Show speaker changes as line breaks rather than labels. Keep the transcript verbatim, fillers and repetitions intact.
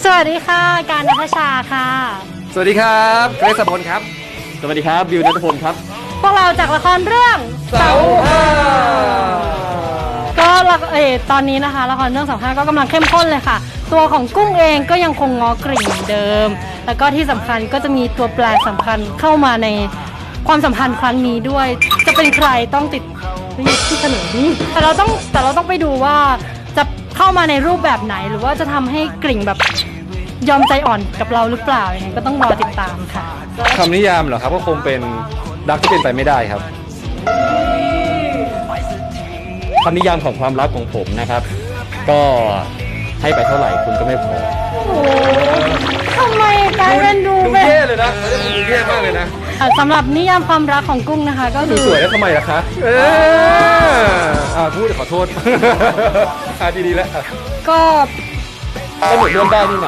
วัสดีค่ะการณัฐชาค่ะ
สวัสดีครับเกรซพลครับ
สวัสดีครับบิวนัทพลครับ
พวกเราจากละครเรื่อง
เสาห้า
ก็ละเออตอนนี้นะคะละครเรื่องเสาห้าก็กำลังเข้มข้นเลยค่ะตัวของกุ้งเองก็ยังคงง้อกริ่งเหมือนเดิมแล้วก็ที่สำคัญก็จะมีตัวแปรสำคัญเข้ามาในความสัมพันธ์ครั้งนี้ด้วยจะเป็นใครต้องติดที่เฉลยนี่แต่เราต้องแต่เราต้องไปดูว่าจะเข้ามาในรูปแบบไหนหรือว่าจะทำให้กริ่งแบบยอมใจอ่อนกับเราหรือเปล่าอย่างนี้ก็ต้องรอติดตามค่ะ
คำนิยามเหรอครับก็คงเป็นรักที่เป็นไปไม่ได้ครับ
คำนิยามของความรักของผมนะครับก็ให้ไปเท่าไหร่คุณก็ไม่พอ
โอ้โหทำไมกลายเป็นดู
ดู
เป็น
เท่เลยนะดูเท่มากเลยนะ
สำหรับนิยามความรักของกุ้งนะคะก็
ดู
คือ
สวยแล้วทำไมล่ะคะเอออ่าพูดขอโทษอ่าดีๆแล้ว
ก็
ก็เหมือนเลื่อนได้นี่นะ